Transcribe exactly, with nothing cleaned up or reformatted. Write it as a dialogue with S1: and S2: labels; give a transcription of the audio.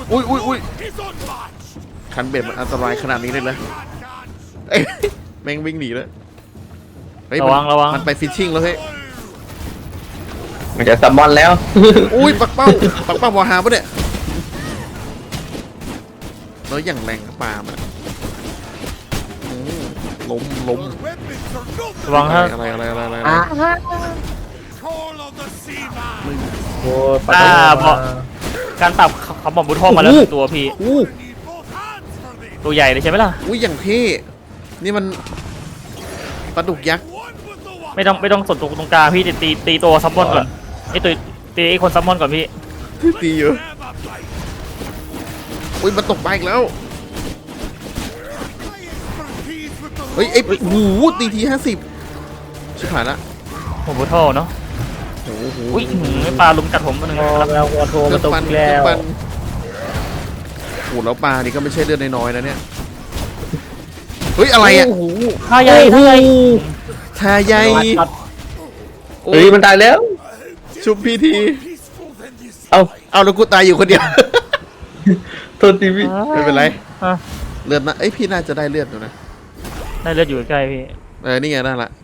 S1: อุ้ยอุ้ยอุ้ยคันเบ็ดมันอันตรายขนาดนี้เลยนะเอ้ยแม่งวิ่งหนีเลยเฮ้ย
S2: ระวังระวัง
S1: มันไปฟิชชิ่งแล้วเฮ้ย
S3: มันจะซัมมอนแล้ว
S1: อุ้ยปักเป้าปักเป้าวอฮาปะเนี่ยแล้วอย่างแรงกับปลามันอืมล้มล้ม
S2: ระวังฮะ
S1: อะไรอะไรอะไรอะไร
S3: อ่ะ
S1: มึง
S3: โอ้ย
S2: อ่าพอการปรับเขาบอกบุทโทมาแล้วหนึ่งตัวพี่
S1: อู้
S2: ตัวใหญ่เลยใช่ไหมล่ะ
S1: อุ้ยอย่างเท่นี่มันปลาดุกยักษ์
S2: ไม่ต้องไม่ต้องสนตัวตรงกลางพี่ตีตีตัวซัมมอนก่อนไอตัวตีไอคนซัมมอนก่อนพี่
S1: ตีอยู่อุ้ยมันตกปลาอีกแล้วเฮ้ยไอ้โอ้โหตีทีห้าสิบชิบหายละ
S2: ผมบุทโทเนาะ
S1: โอ้โห
S2: อุ้ยหืมปลาลุมกัดผมมาหนึ่ง
S3: พอ
S2: ครับ
S3: แล้ววัวโทร
S1: เลื
S3: มา
S1: อด
S3: ตก
S1: ปัน
S3: แล้
S1: เลือด
S3: ว
S1: ปันโอ้โหแล้วปลานี่ก็ไม่ใช่เลือดน้อยๆนะเนี่ยเฮ้ยอะไรอ่ะ
S3: โอ้โห
S2: ท่าใหญ่ท่าใหญ่
S1: ทาใย
S3: เฮ้ยมันตายแล้ว
S1: ชุบพีที
S3: เอ้า
S1: เอาแล้วกูตายอยู่คนเดียว
S3: โทษทีพี่
S1: ไม่เป็นไร
S2: อ่ะ
S1: เลือดนะเอ้ยพี่น่าจะได้เลือดอยู่นะ
S2: ได้เลือดอยู่ใกล้ๆพี่
S1: เออนี่ไงได้ละ